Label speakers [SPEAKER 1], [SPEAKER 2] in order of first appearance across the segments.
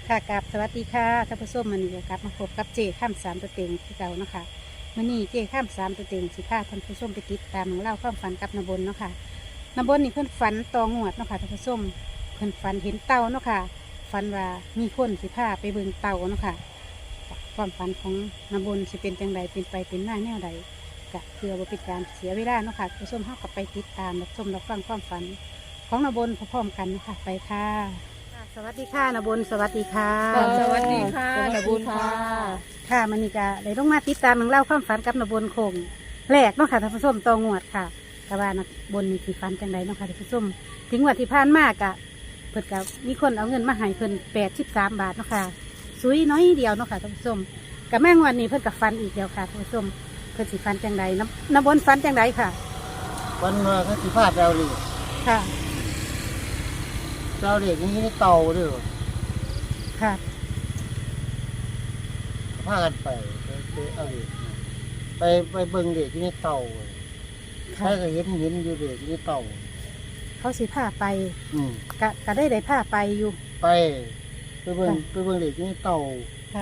[SPEAKER 1] ค่ะกับสวัสดีค่ะท่านผู้ชมมันนี้ก็กลับมาพบกับเจข้ามสามตัวเต็งที่เก่าเนาะค่ะมื่อนี้เจข้ามสามตัวเต็งสิพาท่านผู้ชมไปติดตามเรื่องเล่าความฝันกับนบนเนาะค่ะนบนนี่เพิ่นฝันตองวดเนาะค่ะท่านผู้ชมเพิ่นฝันเห็นเต่าเนาะค่ะฝันว่ามีคนสิพาไปเบิ่งเต่าเนาะค่ะความฝันของนบนสิเป็นจังใดเป็นไปเป็นหน้าแนวใดกะเพื่อบ่เป็นการเสียเวลาเนาะค่ะท่านผู้ชมเฮากับไปติดตามรับชมรับฟังความฝันของนบนพร้อมๆกันเนาะค่ะไปค่ะสวัสดีค่ะนบนสวัสดีค่ะ
[SPEAKER 2] สวัสดีค่ะนบุญค่ะ
[SPEAKER 1] ค่ะมันนี่ก็ได้ลงมาติดตามเรื่องเล่าความฝันกับนบนคงแรกเนาะค่ะท่านผู้ชมตองวดค่ะแต่ว่านบนนี่สิฝันจังไดเนาะค่ะท่านผู้ชมถึงวันที่ผ่านมากะเพิ่นกับมีคนเอาเงินมาให้เพิ่น83 บาทเนาะค่ะซุยน้อยเดียวเนาะค่ะท่านผู้ชมกับแม่งวันนี้เพิ่นกับฟันอีกเดียวค่ะท่านผู้ชมเพิ่นสิฟันจังไดนบนฟันจังไดค่ะ
[SPEAKER 3] วันว่าเขาสิพาเราเลย
[SPEAKER 1] ค่ะ
[SPEAKER 3] เราเด็กนี่เต่าด้วย
[SPEAKER 1] ค่ะ
[SPEAKER 3] พากันไปเอาเด็กไปเบิ่งเด็กที่นี่เต่าใคร
[SPEAKER 1] ค่ะ
[SPEAKER 3] ก็เห็นอยู่เด็กที่นี่เต่า
[SPEAKER 1] เขาสิพาไป
[SPEAKER 3] อืม
[SPEAKER 1] ก็ได้พาไปอยู่
[SPEAKER 3] ไปเบิ่งเด็กที่นี่เต่า
[SPEAKER 1] ค่ะ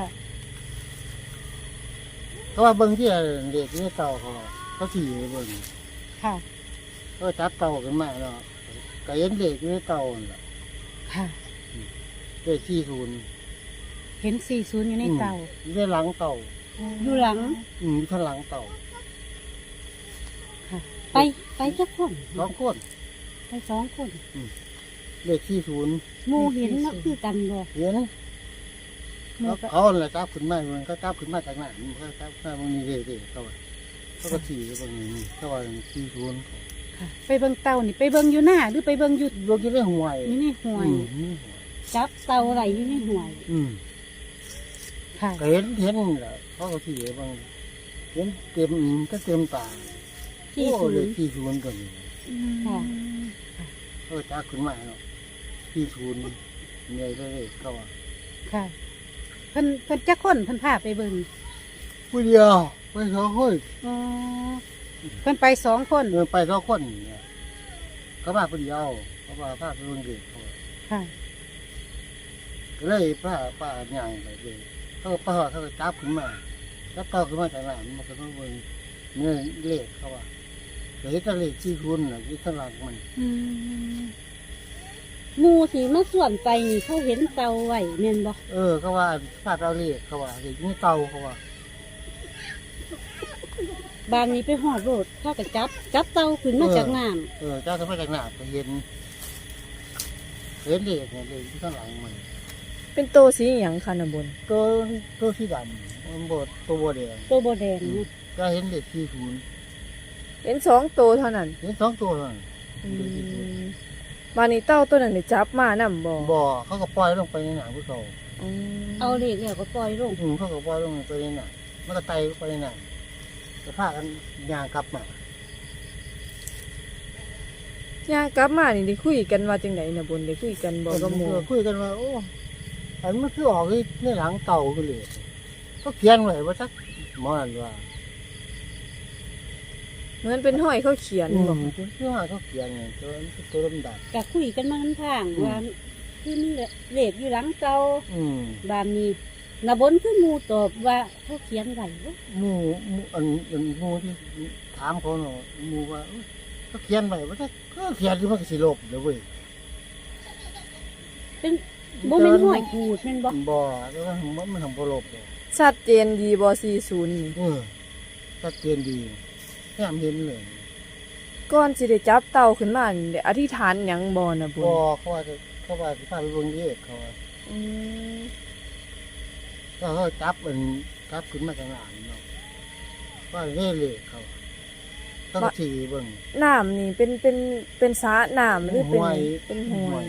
[SPEAKER 3] เขาว่าเบิ่งที่เด็กที่นี่เต่าเขาขี่ไปเบิ่ง
[SPEAKER 1] ค่ะ
[SPEAKER 3] ก็จับเต่าขึ้นมาเนาะก็เห็นเด็กที่นี่เต่าน่ะ
[SPEAKER 1] ค่ะ
[SPEAKER 3] เด็กที่ศูนย์
[SPEAKER 1] เห็น40อยู่ในเตา
[SPEAKER 3] อยู่ในหลังเต่า
[SPEAKER 1] อยู่หลัง
[SPEAKER 3] อยู่ข้างหลังเต่า
[SPEAKER 1] ค่ะไปจักคน
[SPEAKER 3] สองคน
[SPEAKER 1] ไป2 คน
[SPEAKER 3] เด็กที่ศูนย์
[SPEAKER 1] หมู่เห็นเนาะคือกันบ่
[SPEAKER 3] เห็น
[SPEAKER 1] หมู่ก็
[SPEAKER 3] เขาแหละจับขึ้นมามันก็จับขึ้นมาจากไหนมันก็จับขึ้นมามันมีเด็กเขาว่าเขาก็ขี่ตรงนี้เขาว่าขี่สวน
[SPEAKER 1] ค่ะไปเบิ่งเต่านี่ไปเบิ่งอยู่หน้าหรือไปเบิ่งอยู่
[SPEAKER 3] รถที่ได้ห่วย
[SPEAKER 1] นี่ในห้วย
[SPEAKER 3] อืม
[SPEAKER 1] จับเต่าไหลอยู่ในห้วย
[SPEAKER 3] อืม
[SPEAKER 1] ค่ะ
[SPEAKER 3] ก็เห็นแหละเขาก็ขี่บางเห็นเต็มก็เต็มตา
[SPEAKER 1] ที่
[SPEAKER 3] โอ้
[SPEAKER 1] ศูน
[SPEAKER 3] เลย
[SPEAKER 1] ย์
[SPEAKER 3] ขี่สวนกัน
[SPEAKER 1] ค่ะ
[SPEAKER 3] เขาก็จับขึ้นมาเนาะขี่สวนเหนื่อยเลยเขาว่า
[SPEAKER 1] ค่ะเพิ่นจักคนเพิ่นพาไปเบิ่ง
[SPEAKER 3] ผู้เดียวไปสองคน
[SPEAKER 1] อ๋อเพิ่นไป2 คน
[SPEAKER 3] เดินไปสองคนเนี่ยเขามาผู้เดียวเขาว่าพาไปเบิ่งเด็กเขาว่า
[SPEAKER 1] ค่ะ
[SPEAKER 3] ก็เลยป้าย่างไปเลยเขาก็ป้าเขาก็จับขึ้นมาจับเต่าขึ้นมาจากหลังมันก็ต้องเบิ่งเนื้อเล็กเขาว่าเดี๋ยวจะเล็กที่คุณน่ะที่ข้างหลังมัน
[SPEAKER 1] หมู่ที่มาส่วนไปนี่เขาเห็นเต่าไว้แม่นบ่
[SPEAKER 3] เขาว่าป้าเราเล็กเขาว่าเด็กนี่เต่าเขาว่า
[SPEAKER 1] บ้านนี้ไปฮอดโลดเขาก็จับเต่าขึ้นมาจากน้ำ
[SPEAKER 3] เจ้าขึ้นมาจากหน้าไปเห็นเล็กเนี่ยเล็กที่ข้างหลังมัน
[SPEAKER 2] เป็นโตสีอหย่างค่ะนบุญ
[SPEAKER 3] ตัวที่ดำมันบดตัวบดแดง
[SPEAKER 1] ตัวบ่แดงนี่
[SPEAKER 3] ก็เห็นเด็กที่ศูนย์
[SPEAKER 2] เห็น2โตเท่านั้น
[SPEAKER 3] เห็นสองตัวนั่น
[SPEAKER 2] บานนี้เต้าตัวนั้นได้จับมานำบ่
[SPEAKER 3] บ่อเขาก็ปล่อยลงไปในหนังพวกเขา
[SPEAKER 2] อืม
[SPEAKER 1] เอาเลขแล้วก็ปล่อยลง
[SPEAKER 3] เขาก็ปล่อยลงไปในหนังมันก็ไตไปในหนังจะพากันยางกลับมา
[SPEAKER 2] ย่างกลับมานี่ได้คุยกันว่าจังไดนบุญได้คุยกันบ่กับหมู่
[SPEAKER 3] คุยกันว่าโอ้อันมันคือออกในหลังเต่าไปเลยก็เขียนไว้ว่าสักหมอนั่นว่า
[SPEAKER 2] เหมือนเป็นห้อยเขาเขียนบ่
[SPEAKER 3] คือว่าเขาเขียนไงตัวดำ
[SPEAKER 1] ก็คุยกันมาทางว่าคือมีเลขอยู่หลังเก่า
[SPEAKER 3] ๆ
[SPEAKER 1] บ้านนี้นบนคือหมูตอบว่าเขาเขียนไว้ว่า
[SPEAKER 3] หมูอันหมูที่ถามเขาเนาะหมูว่าเขาเขียนไว้ว่าสักก็เขียนที่มันก็สิลบเลยเว้ย
[SPEAKER 1] เป็นบ่แม่นห้อยกูดแม่นบ่
[SPEAKER 3] บ่แต่ว่ามันทำบ่ลบเลย
[SPEAKER 2] ชัดเจนดีบ่40นี่
[SPEAKER 3] ชัดเจนดีแค่เห็นเลย
[SPEAKER 2] ก่อนสิได้จับเต่าขึ้นมานี่ได้อธิษฐานหยังบ่นะบุญ
[SPEAKER 3] บ่เขาว่าสิพาไปเบิ่งเอกเขาว่า
[SPEAKER 2] อืม
[SPEAKER 3] ก็เขาจับขึ้นมาจากหลังเนาะว่าเล่เลยเขาต้องขี่เบิ่ง
[SPEAKER 2] น้ำนี่เป็นสระน้ำหรือเป็นห้วย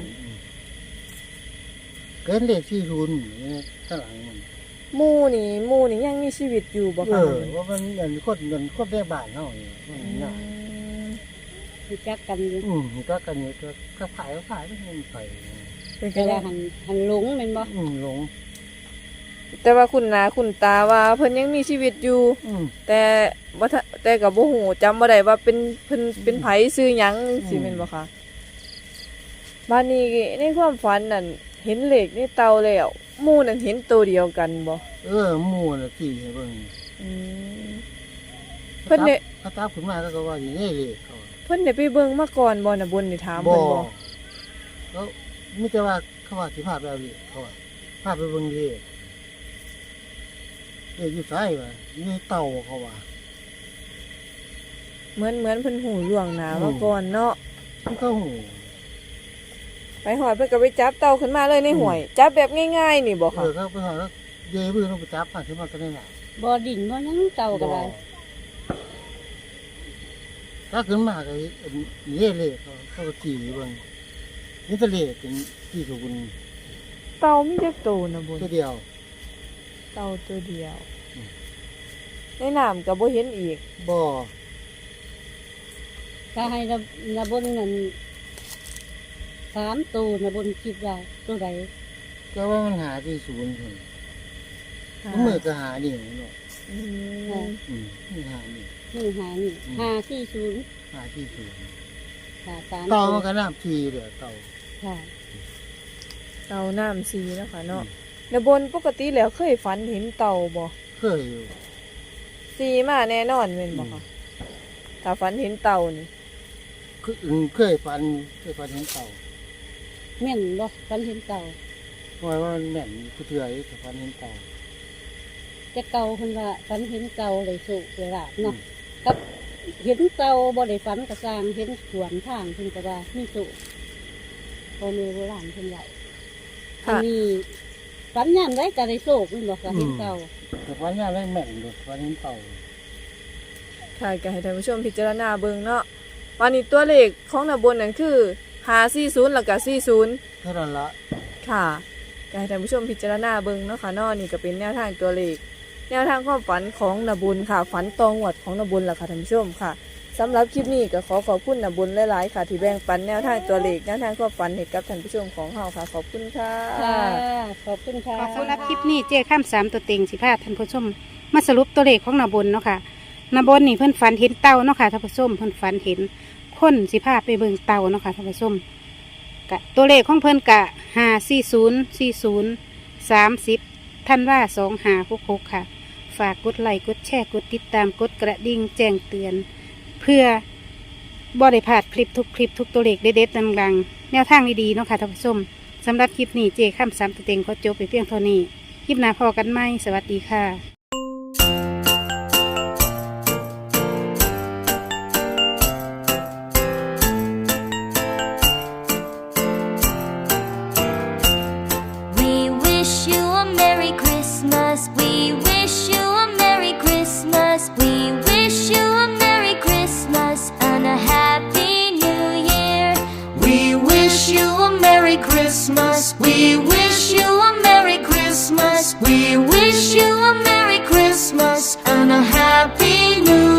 [SPEAKER 3] เกินเด็กที่ทุนข้างหลังมัน
[SPEAKER 2] หมู่นี่ยังมีชีวิตอยู่บ่คะ
[SPEAKER 3] ว่ามันเงินคนได้บ้านเนาะมันง่าย
[SPEAKER 1] รู้จักกันอยู่
[SPEAKER 3] ก็กันอยู่ก็ขายไม่เงินไป
[SPEAKER 2] เป็น
[SPEAKER 1] แต่
[SPEAKER 2] จังได๋
[SPEAKER 1] ว่าหันหลงแม่นบ่
[SPEAKER 3] หลง
[SPEAKER 2] แต่ว่าคุณนาคุณตาว่าเพิ่นยังมีชีวิตอยู่ แต่บ่ทันแต่ก็บ่ฮู้จำบ่ได้ว่าเป็นเพิ่นเป็นไผชื่อหยังสิแม่นบ่คะบ้านนี้ในความฝันนั่นเห็นเลขในเตาแล้วหมู่นั่นเห็นตัวเดียวกันบ่
[SPEAKER 3] หมู่น่ะที่ให้เบิ่ง
[SPEAKER 2] อืมเพิ่นได้
[SPEAKER 3] เขาจับขึ้นมาก็ว่าอยู่นี่เลยเขา
[SPEAKER 2] เพิ่นได้ไปเบิ่งมาก่อนบ่น่ะบนได้ถาม
[SPEAKER 3] บ่
[SPEAKER 2] เพิ่นบ่
[SPEAKER 3] แล้วมีแต่ว่าเขาว่าสิพาไปเอาเลยเขาว่าพาไปเบิ่งเลยอยู่ไสวะนี่เต่าเขาว่า
[SPEAKER 2] เหมือนเพิ่นหูล่วงหน้ามาก่อนเนาะ
[SPEAKER 3] มันก็หู
[SPEAKER 2] ไปหอดเพิ่นก็ไปจับเต่าขึ้นมาเลยในห้วย จับแบบง่ายๆนี่บ่ค่ะ
[SPEAKER 3] เขาไปหาแล้วเย่บื้อลงไปจับผ่านขึ้นมาก็ได้น่ะ
[SPEAKER 1] บ่ดิ่งบ่หยังเก่าก็ได้
[SPEAKER 3] ถ้าขึ้นมาก็เย่เลยเขาก็ขี่เบิ่งนี่ทะเลเป็นที่ถูกบุญ
[SPEAKER 2] เต่ามีจักตัวน่ะบน
[SPEAKER 3] ตัวเดียว
[SPEAKER 2] เต่าตัวเดียว
[SPEAKER 3] อืม
[SPEAKER 2] ในน้ำก็บ่เห็นอีก
[SPEAKER 3] บ่
[SPEAKER 1] ถ้าให้ระบนนั่น3ตัวระบนคิดว่าตัวใด
[SPEAKER 3] ก็ว่ามันหาที่ศูนย์คนมือก็หานี่เนาะ
[SPEAKER 2] อืม
[SPEAKER 3] นี่หานี่
[SPEAKER 1] นี่หานี่540
[SPEAKER 3] หาที่ศูนย์
[SPEAKER 1] ค่ะ3
[SPEAKER 3] เต่ามันก็น้ำทีเด้อเต่า
[SPEAKER 1] ค่ะ
[SPEAKER 2] เต่าน้ำสีเนาะค่ะเนาะแล้วบนปกติแล้วเคยฝันเห็นเต่าบ่
[SPEAKER 3] เคยอยู่
[SPEAKER 2] สีมาแน่นอนแม่นบ่คะถ้าฝันเห็นเต่านี่
[SPEAKER 3] เคยฟันเห็นเต่า
[SPEAKER 1] แม่นบ่ฝันเห็นเก่า
[SPEAKER 3] เพราะว่ามันแม่นผู้เถื่อยแต่ฟันเห็นเต่า
[SPEAKER 1] แต่เก่าเพิ่นว่าฝันเห็นเก่าเลยสุเวลาบเนาะกับเห็นเก่าบ่ได้ฝันกระสร้างเห็นสวนทางเพิ่นก็ว่ามีสุพ่อแม่โบราณเพิ่นเว้าอันนี้ฝันยามใดก็ได้โชคเพิ่นบอกว่าเห็นเก่า
[SPEAKER 3] แต่ฟันยามได้แม่นเลยฟันเห็นเต่า
[SPEAKER 2] ค่ะก็ให้ท่านผู้ชมพิจารณาเบิ่งเนาะวันนี้ตัวเลขของน่ะบนนั่นคือ540แล้วก็40
[SPEAKER 3] เท่านั้นละ
[SPEAKER 2] ค่ะก็ให้ท่านผู้ชมพิจารณาเบิ่งเนาะค่ะเนาะนี่ก็เป็นแนวทางตัวเลขแนวทางความฝันของนบุญค่ะฝันตองหวดของนบุญล่ะค่ะท่านผู้ชมค่ะสำหรับคลิปนี้ก็ขอบคุณนบุญหลายๆค่ะที่แบ่งปันแนวทางตัวเลขแนวทางความฝันให้กับท่านผู้ชมของเฮาค่ะขอบคุณค่ะ
[SPEAKER 1] ค่ะขอบคุณค่ะ
[SPEAKER 4] ขอบคุณรับคลิปนี้เจ้ข้าม3ตัวเต็งสิพาท่านผู้ชมมาสรุปตัวเลขของนาบนเนาะค่ะนาบนนี่เพิ่นฝันเห็นเต่าเนาะค่ะท่านผู้ชมเพิ่นฝันเห็นคนสิพาไปเบิ่งเต่าเนาะค่ะท่านผู้ชมกะตัวเลขของเพิ่นกะ5404030ท่านว่า2566ค่ะ ฝากกดไลค์กดแชร์กดติดตามกดกระดิ่งแจ้งเตือน เพื่อบ่ได้พลาดคลิปทุกตัวเลขเด็ดๆดังๆแนวทางดีๆเนาะค่ะท่านผู้ชมสำหรับคลิปนี้เจ้ข้าม3ตัวเต็งก็จบไปเพียงเท่านี้คลิปหน้าพอกันไหมสวัสดีค่ะ
[SPEAKER 5] We wish you a Merry Christmas. We wish you a Merry Christmas. We wish you a Merry Christmas and a Happy New Year.
[SPEAKER 6] We wish you a Merry Christmas. We wish